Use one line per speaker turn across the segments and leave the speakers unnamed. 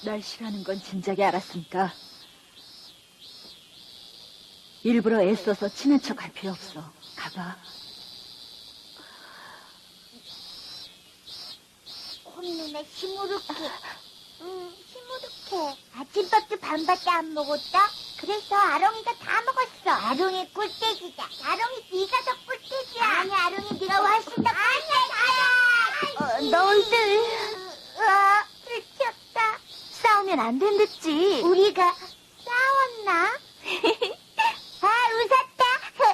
날 싫어하는 건 진작에 알았으니까 일부러 애써서 친한 척 할 필요 없어. 가봐.
콧눈에 시무룩해. 시무룩해. 아침밥도 반밖에 안 먹었다? 그래서 아롱이가 다 먹었어. 아롱이 꿀떼기다. 아롱이 네가 더 꿀떼기야. 아니, 아롱이 네가 훨씬 더 꿀떼기야. 너희들. 들켰다. 싸우면 안 된댔지. 우리가 싸웠나? 아, 웃었다.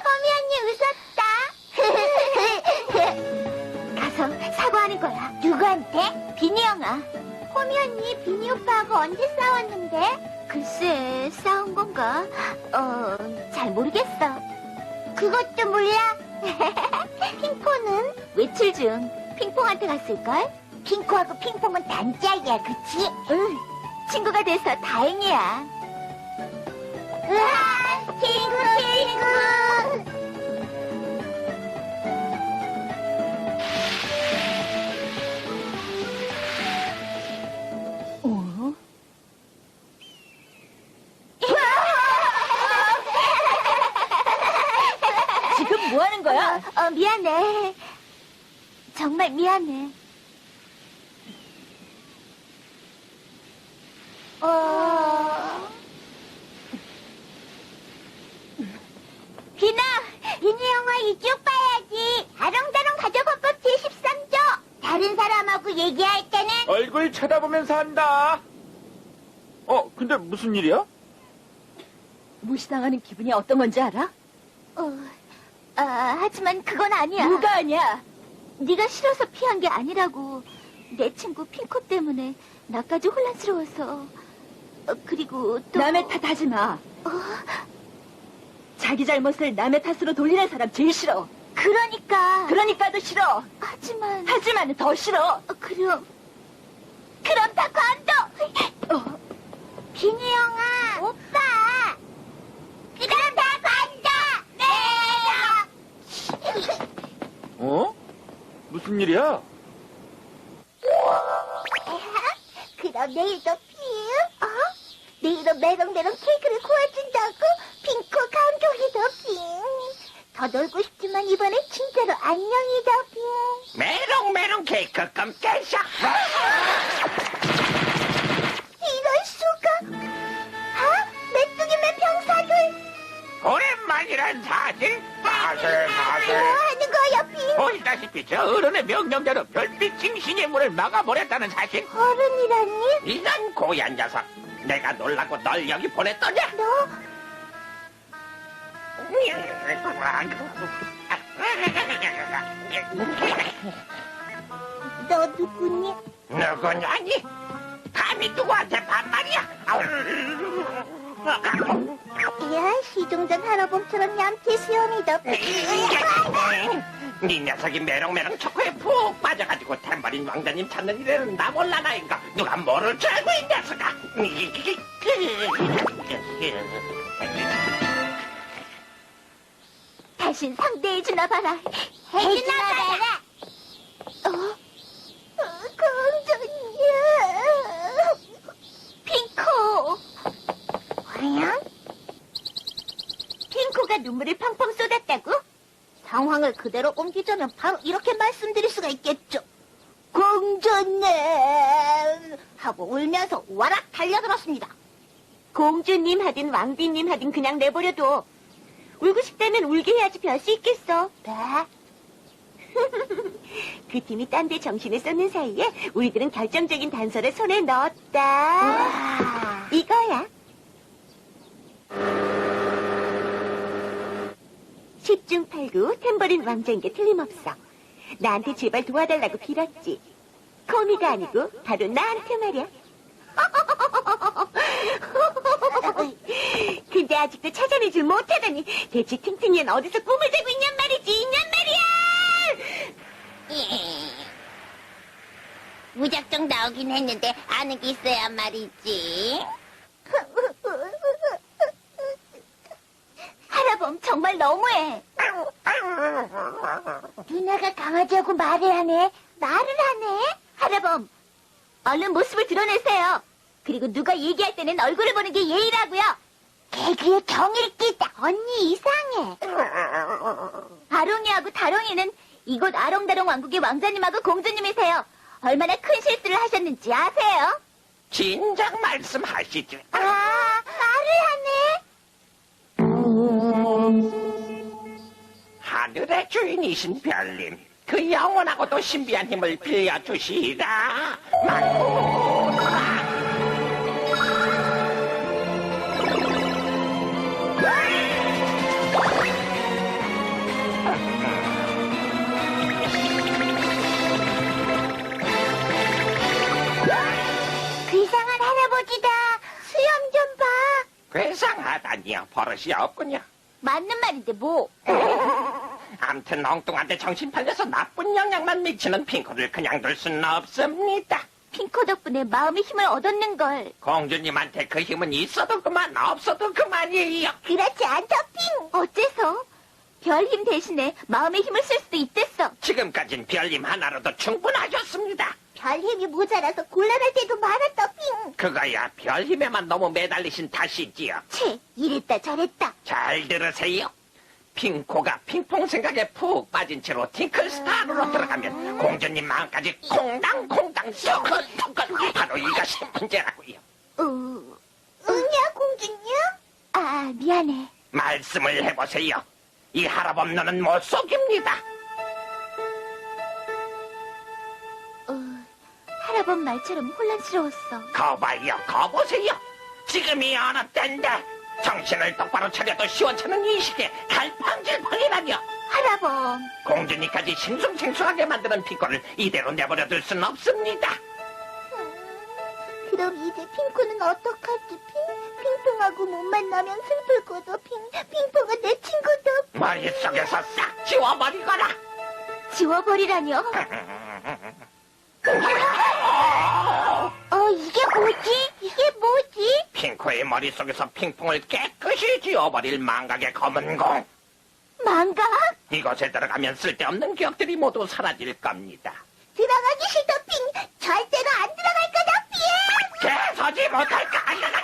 호미 언니 웃었다. 가서 사과하는 거야. 누구한테? 비니 형아. 호미 언니, 비니 오빠하고 언제 싸웠는데? 글쎄, 싸운 건가? 잘 모르겠어. 그것도 몰라? 핑퐁은? 외출 중. 핑퐁한테 갔을걸? 핑퐁하고 핑퐁은 단짝이야, 그치? 응, 친구가 돼서 다행이야. 으아, 친구!
어? 지금 뭐 하는 거야?
미안해. 정말 미안해. 비나, 비니 영화 이쪽 봐야지. 아롱다롱 가족헌법 제13조. 다른 사람하고 얘기할 때는
얼굴 쳐다보면서 한다. 근데 무슨 일이야?
무시당하는 기분이 어떤 건지 알아?
하지만 그건 아니야.
뭐가 아니야?
네가 싫어서 피한 게 아니라고. 내 친구 핑코 때문에 나까지 혼란스러워서. 그리고 또
남의 탓하지 마. 자기 잘못을 남의 탓으로 돌리는 사람 제일 싫어. 그러니까도 싫어. 하지만은 더 싫어.
그럼 다 관둬. 비니 형아, 오빠. 그럼 다 관둬. 네.
무슨 일이야?
그럼 내일도 내일도 메롱메롱 케이크를 구워준다고? 핑크 감독이다, 핑. 더 놀고 싶지만 이번엔 진짜로 안녕이다, 핑.
메롱메롱 케이크 깜짝이야.
이럴 수가. 메뚜기맨 병사들.
오랜만이란 사실.
뭐
사실.
하는 거야, 핑?
보시다시피 저 어른의 명령대로 별빛 징신의 문을 막아버렸다는 사실.
어른이라니?
이런 고얀 녀석. 내가 놀라고 널 여기 보냈더냐?
너? 너 누구니?
누구냐니? 감히 누구한테 반말이야?
야, 시종전 할아범처럼 얌체 수염이다.
네 녀석이 메롱메롱 초코에 푹 빠져가지고 탬버린 왕자님 찾는 일에는 나 몰라나인가? 누가 뭐를 줄 알고 이 녀석아?
다신 상대해주나 봐라. 해주나 봐라. 공주님. 핑코. 뭐야? 핑코가 눈물을 펑펑 쏟았다고? 상황을 그대로 옮기자면 바로 이렇게 말씀드릴 수가 있겠죠. 공주님! 하고 울면서 와락 달려들었습니다. 공주님 하든 왕비님 하든 그냥 내버려둬. 울고 싶다면 울게 해야지 별 수 있겠어. 네? 그 팀이 딴 데 정신을 쏟는 사이에 우리들은 결정적인 단서를 손에 넣었다. 우와. 이거야. 10중 8구 탬버린 왕자인 게 틀림없어. 나한테 제발 도와달라고 빌었지. 코미가 아니고 바로 나한테 말이야. 근데 아직도 찾아내질 못하다니. 대체 팅팅이는 어디서 꿈을 대고 있냔 말이지. 무작정 나오긴 했는데 아는 게 있어야 말이지. 하라범 정말 너무해. 누나가 강아지하고 말을 하네. 하라범 얼른 모습을 드러내세요. 그리고 누가 얘기할 때는 얼굴을 보는 게 예의라고요. 개그에 경의를 끼다. 언니 이상해. 아롱이하고 다롱이는 이곳 아롱다롱 왕국의 왕자님하고 공주님이세요. 얼마나 큰 실수를 하셨는지 아세요?
진작 말씀하시죠.
말을
하늘의 주인이신 별님, 그 영원하고도 신비한 힘을 빌려주시라.
괴상한 할아버지다. 수염 좀 봐.
괴상하다니요. 버릇이 없군요.
맞는 말인데 뭐.
암튼 엉뚱한데 정신 팔려서 나쁜 영향만 미치는 핑크를 그냥 둘 수는 없습니다.
핑크 덕분에 마음의 힘을 얻었는걸.
공주님한테 그 힘은 있어도 그만, 없어도 그만이에요.
그렇지 않다, 핑. 어째서? 별 힘 대신에 마음의 힘을 쓸 수도 있댔어.
지금까진 별님 하나로도 충분하셨습니다.
별 힘이 모자라서 곤란할 때도 많았다, 핑.
그거야 별 힘에만 너무 매달리신 탓이지요.
채, 이랬다 저랬다.
잘 들으세요. 핑코가 핑퐁 생각에 푹 빠진 채로 팅클스타로 들어가면 공주님 마음까지 콩당콩당 썩은썩은 바로 이것이 문제라고요.
응이야, 공주님? 아, 미안해.
말씀을 해보세요. 이 할아범노는 못 속입니다.
할아범 말처럼 혼란스러웠어.
거봐요, 거보세요. 지금이 어느 때인데 정신을 똑바로 차려도 시원찮은 이 시기에 갈팡질팡이라뇨.
할아범.
공주님까지 싱숭생숭하게 만드는 핑코를 이대로 내버려둘 순 없습니다.
그럼 이제 핑크는 어떡하지, 핑? 핑퐁하고 못 만나면 슬플 거다, 핑. 핑퐁은 내 친구다.
머릿속에서 싹 지워버리거라.
지워버리라뇨? 이게 뭐지? 이게 뭐지?
핑코의 머릿속에서 핑퐁을 깨끗이 지워버릴 망각의 검은 공.
망각?
이곳에 들어가면 쓸데없는 기억들이 모두 사라질 겁니다.
들어가기 싫다, 핑. 절대로 안 들어갈 거다, 핑.
개서지 못할까?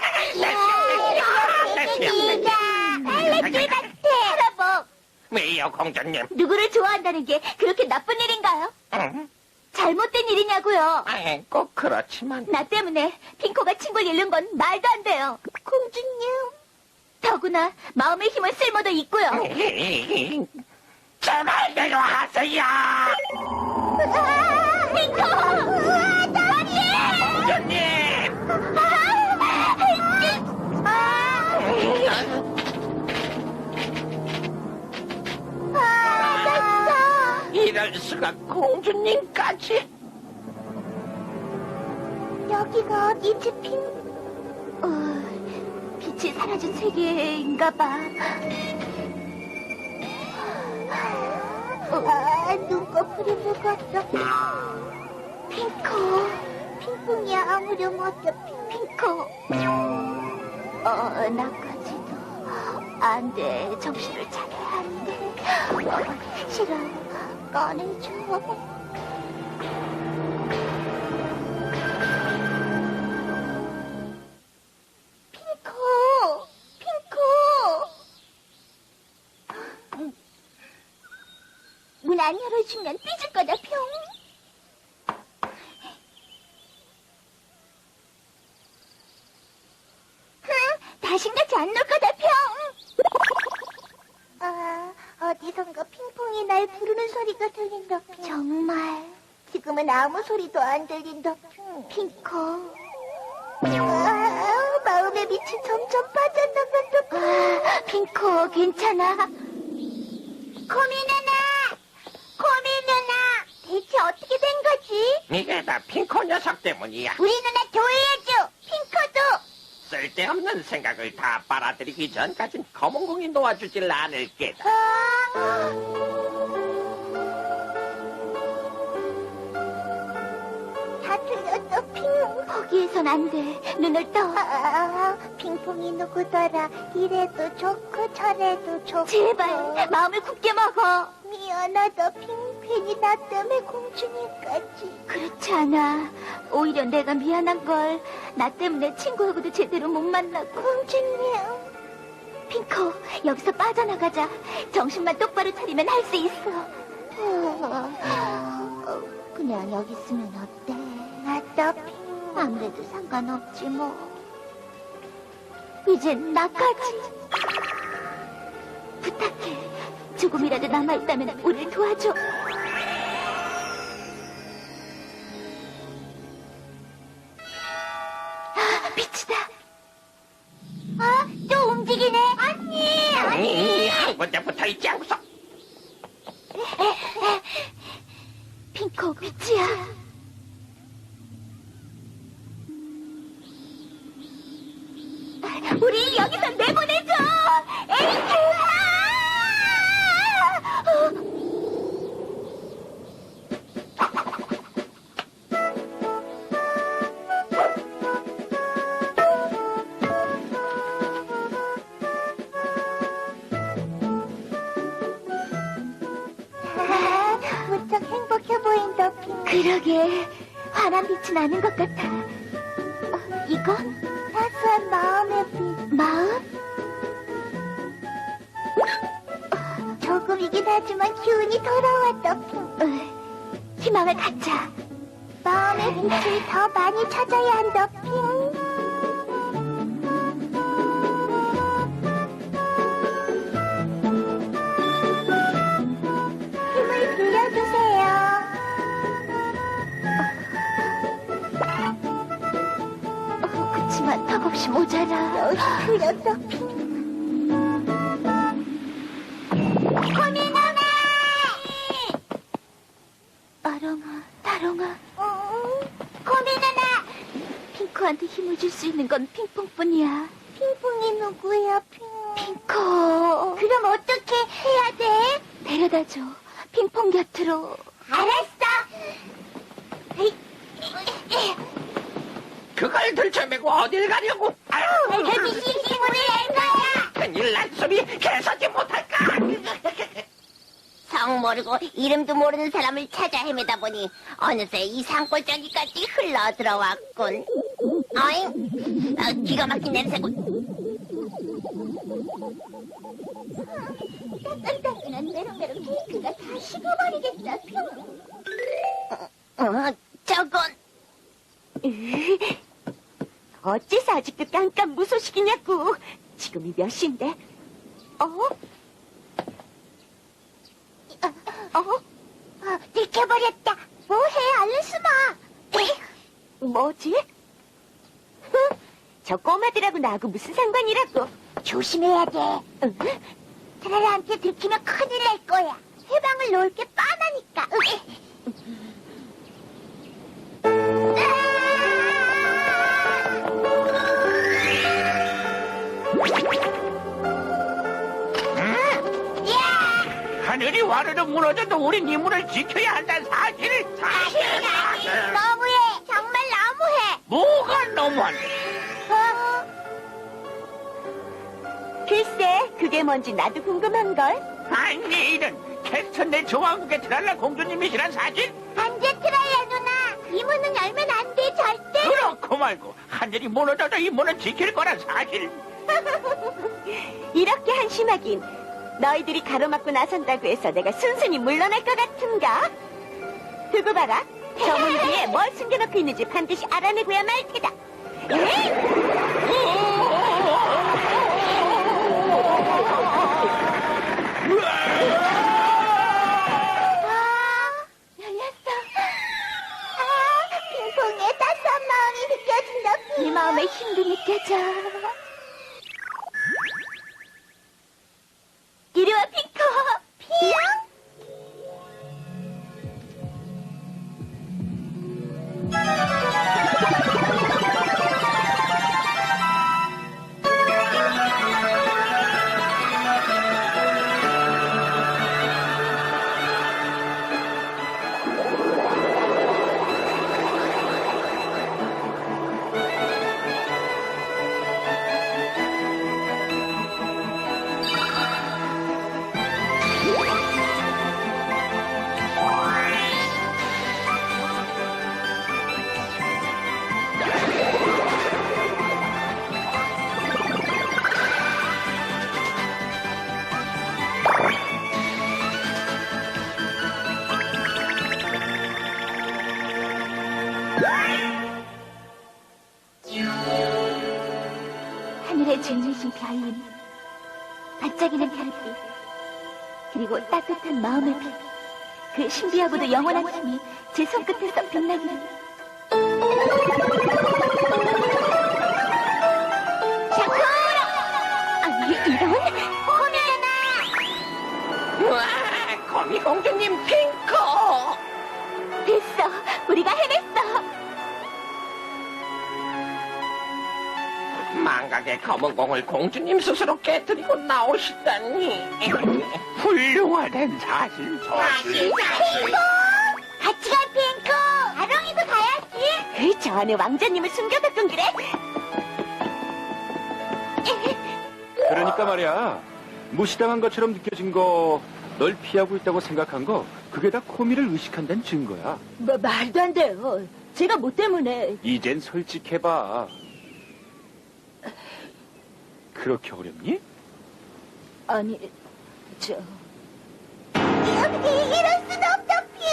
알레지 같아. 할아범,
왜요, 공주님?
누구를 좋아한다는 게 그렇게 나쁜 일인가요?
응?
잘못된 일이냐고요?
꼭 그렇지만.
나 때문에 핑코가 친구를 잃는 건 말도 안 돼요. 공주님. 더구나 마음의 힘을 쓸모도 있고요.
제 말대로 하세요.
핑코! 나리에!
공주님! 이럴 수가 공주님까지.
여기가 어디지, 핑? 빛이 사라진 세계인가 봐. 눈꺼풀이 무겁다. 핑크. 핑퐁이 아무렴 어때, 핑크. 나까지도. 안 돼. 정신을 차려야 하는데. 싫어. 꺼내줘. 문 안 열어주면 삐질 거다, 평. 다신같이 안 놀 거다, 평. 어디선가 핑퐁이 날 부르는 소리가 들린다, 핑. 정말. 지금은 아무 소리도 안 들린다, 핑커. 마음의 빛이 점점 빠져나간다. 핑커, 괜찮아? 코미 누나! 대체 어떻게 된 거지?
이게 다 핑코 녀석 때문이야.
우리 누나 조회해줘! 핑커도!
쓸데없는 생각을 다 빨아들이기 전까진 검은공이 놓아주질 않을 게다.
다 틀렸어, 핑. 거기에선 안 돼. 눈을 떠. 핑퐁이 누구더라. 이래도 좋고 저래도 좋고. 제발 마음을 굳게 먹어. 미안하다, 핑크. 괜히 나 때문에 공주님까지.
그렇지 않아. 오히려 내가 미안한 걸. 나 때문에 친구하고도 제대로 못 만나고.
공주님.
핑코, 여기서 빠져나가자. 정신만 똑바로 차리면 할 수 있어.
그냥 여기 있으면 어때? 어차피 아무래도 상관없지 뭐.
이젠 나까지. 부탁해. 조금이라도 남아있다면 우릴 도와줘. 아, 빛이다.
또 움직이네. 언니.
아니, 한 군데 붙어 있지 않고서.
핑코, 빛이야. 우리 여기서 내보내줘! 에이크!
무척 행복해 보인다, 핑.
그러게, 환한 빛이 나는 것 같아. 이건?
사소한 마음의 빛.
마음?
조금이긴 하지만 기운이 돌아왔다, 핑.
희망을 갖자.
마음의 빛을 더 많이 찾아야 한다, 핑. 힘을 빌려주세요.
그치만 턱없이 모자라.
여기 틀렸다, 핑. 코미노네!
아롱아, 다롱아.
코미노나!
핑크한테 힘을 줄 수 있는 건 핑퐁뿐이야.
핑퐁이 누구야, 핑?
핑크.
그럼 어떻게 해야 돼?
데려다줘. 핑퐁 곁으로.
알았어.
그걸 들쳐매고 어딜 가려고? 아유,
해비씨 힘을 낼 거야.
큰일 난 소리 개서지 못할까?
성 모르고 이름도 모르는 사람을 찾아 헤매다 보니 어느새 이 산골짜기까지 흘러 들어왔군. 어잉? 기가 막힌 냄새군. 따끈따끈한 메롱메롱 케이크가 다 식어버리겠다, 저건
어째서 아직도 깜깜무소식이냐고. 지금이 몇 시인데?
들켜버렸다. 뭐해, 얼른 숨어.
뭐지? 저 꼬마들하고 나하고 무슨 상관이라고?
조심해야 돼. 트라라한테 들키면 큰일 날 거야. 해방을 놓을 게 뻔하니까.
하늘이 와르르 무너져도 우린 이 문을 지켜야 한다는 사실을.
너무해. 정말 너무해.
뭐가 너무한?
글쎄, 그게 뭔지 나도 궁금한걸?
아니, 이런 캐스턴 내 조왕국의 트랄라 공주님이시란 사실?
안 돼, 트라야 누나. 이 문은 열면 안 돼, 절대.
그렇고 말고 하늘이 무너져도 이 문을 지킬 거란 사실.
이렇게 한심하긴. 너희들이 가로막고 나선다고 해서 내가 순순히 물러날 것 같은가? 두고 봐라. 저 문 뒤에 뭘 숨겨놓고 있는지 반드시 알아내고야 말 테다. 열렸어.
핑퐁의 따스한 마음이 느껴진다,
네 마음의 힘도 느껴져. 이리 와, 핑크.
핑? 하늘에 질리신 별님, 반짝이는 별빛, 그리고 따뜻한 마음의 빛, 그 신비하고도 영원한 힘이 제 손끝에서 빛나기를. 샤크라! 아니, 이런? 코미잖아!
우와, 거미 공주님 핑크!
됐어, 우리가 해냈어!
망각의 검은 공을 공주님 스스로 깨뜨리고 나오시다니.
훌륭하단 사실.
핑크! 같이 가, 핑크! 아롱이도 가야지!
저 안에 왕자님을 숨겨뒀던 그래?
그러니까 말이야, 무시당한 것처럼 느껴진 거, 널 피하고 있다고 생각한 거, 그게 다 코미를 의식한다는 증거야.
말도 안 돼요. 제가 뭐 때문에.
이젠 솔직해봐. 그렇게 어렵니?
아니, 저.
이럴 순 없다, 핑!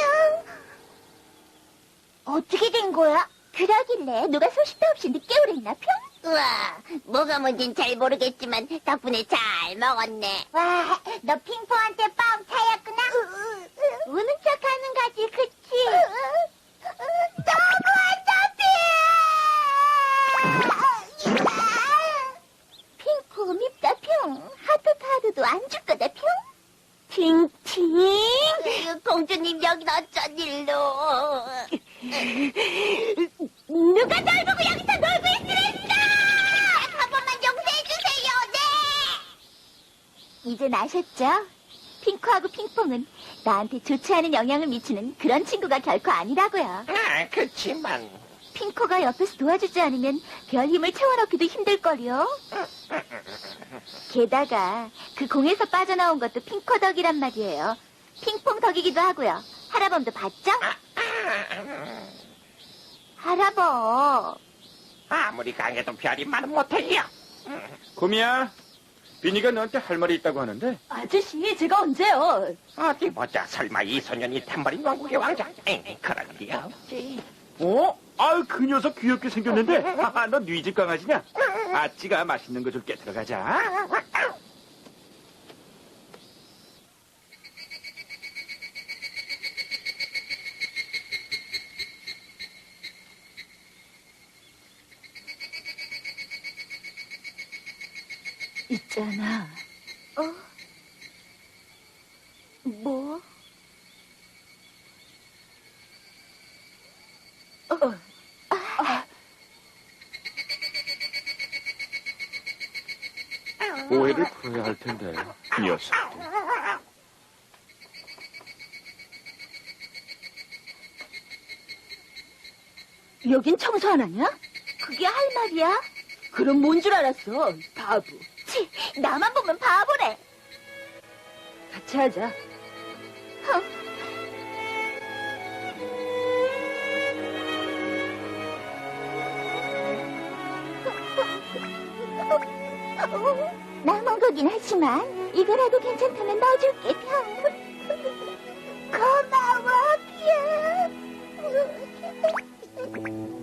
어떻게 된 거야? 그러길래 누가 소식도 없이 늦게 오랬나, 핑? 우와, 뭐가 뭔진 잘 모르겠지만 덕분에 잘 먹었네. 와, 너 핑퐁한테 빵 차였구나? 우는 척하는 거지, 그치? 너무하다, 핑! 핑퐁 밉다, 핑. 하드도 안 줄 거다, 핑. 팅팅! 공주님 여긴 어쩐 일로? 누가 널 보고 여기서 놀고 있으랬어! 한 번만 용서해주세요, 네! 이젠 아셨죠? 핑크하고 핑퐁은 나한테 좋지 않은 영향을 미치는 그런 친구가 결코 아니라고요.
그치만.
핑크가 옆에서 도와주지 않으면 별 힘을 채워넣기도 힘들걸요. 게다가 그 공에서 빠져나온 것도 핑크 덕이란 말이에요. 핑퐁 덕이기도 하고요. 하라범도 봤죠? 하라범.
아무리 강해도 별이 말은 못해요.
코미야, 비니가 너한테 할 말이 있다고 하는데.
아저씨, 제가 언제요?
어디 보자. 설마 이 소년이 탬버린 왕국의 왕자? 그럴 리 없지.
어? 아유, 그 녀석 귀엽게 생겼는데. 하하, 너 네 집 강아지냐? 아찌가 맛있는 거 줄게. 들어가자.
있잖아.
뭐?
오해를 풀어야 할 텐데. 이 녀석들.
여긴 청소 안 하냐?
그게 할 말이야?
그럼 뭔 줄 알았어, 바보.
치, 나만 보면 바보래.
같이 하자.
남은 거긴 하지만 이거라도 괜찮다면 넣어줄게, 평. 고마워, 평.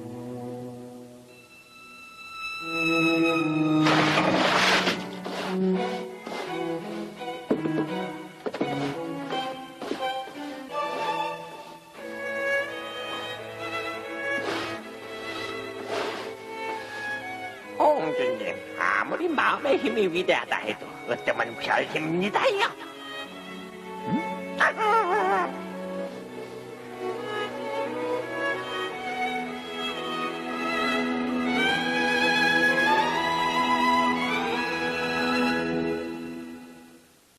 공주님, 아무리 마음의 힘이 위대하다 해도 어쩌면 별 힘입니다요.